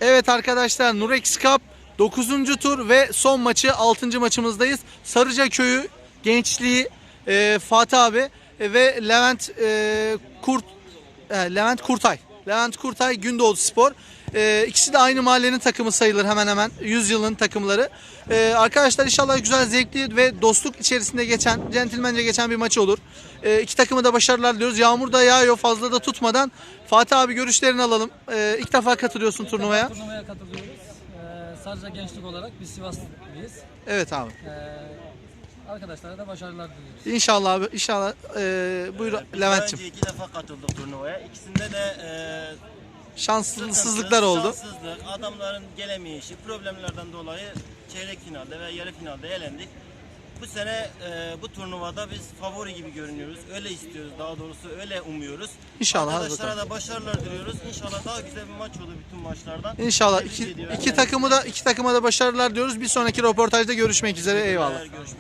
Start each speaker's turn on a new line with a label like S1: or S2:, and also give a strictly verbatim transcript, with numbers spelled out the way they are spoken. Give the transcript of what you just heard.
S1: Evet arkadaşlar, Nurex Cup dokuzuncu tur ve son maçı, altıncı maçımızdayız. Sarıca Köyü gençliği e, Fatih abi e, ve Levent e, Kurt e, Levent Kurtay. Levent Kurtay Gündoğdu Spor. E, ikisi de aynı mahallenin takımı sayılır, hemen hemen yüz yılın takımları. E, arkadaşlar inşallah güzel, zevkli ve dostluk içerisinde geçen, centilmence geçen bir maç olur. E, iki takımı da başarılar diliyoruz. Yağmur da yağıyor, fazla da tutmadan. Fatih abi, görüşlerini alalım. E, ilk defa katılıyorsun
S2: İlk
S1: turnuvaya.
S2: defa turnuvaya katılıyoruz. Ee, Sarıca gençlik olarak biz Sivaslıyız.
S1: Evet abi.
S2: Ee, arkadaşlara da başarılar diliyoruz.
S1: İnşallah abi, inşallah. E, buyur
S3: Biz daha
S1: Levent'ciğim.
S3: önce iki defa katıldık turnuvaya. İkisinde de e,
S1: Şanssızlıklar
S3: sıkıntı,
S1: oldu.
S3: şanssızlık, adamların gelemeyişi, problemlerden dolayı çeyrek finalde ve yarı finalde elendik. Bu sene e, bu turnuvada biz favori gibi görünüyoruz. Öyle istiyoruz, daha doğrusu öyle umuyoruz.
S1: İnşallah, hadi
S3: Arkadaşlara
S1: bakalım.
S3: da başarılar diliyoruz. İnşallah daha güzel bir maç olur bütün maçlardan.
S1: İnşallah
S3: Tebrik
S1: iki,
S3: ediyorum.
S1: iki takımı da iki takıma da başarılar diyoruz. Bir sonraki röportajda görüşmek üzere. Eyvallah.
S3: Görüşmek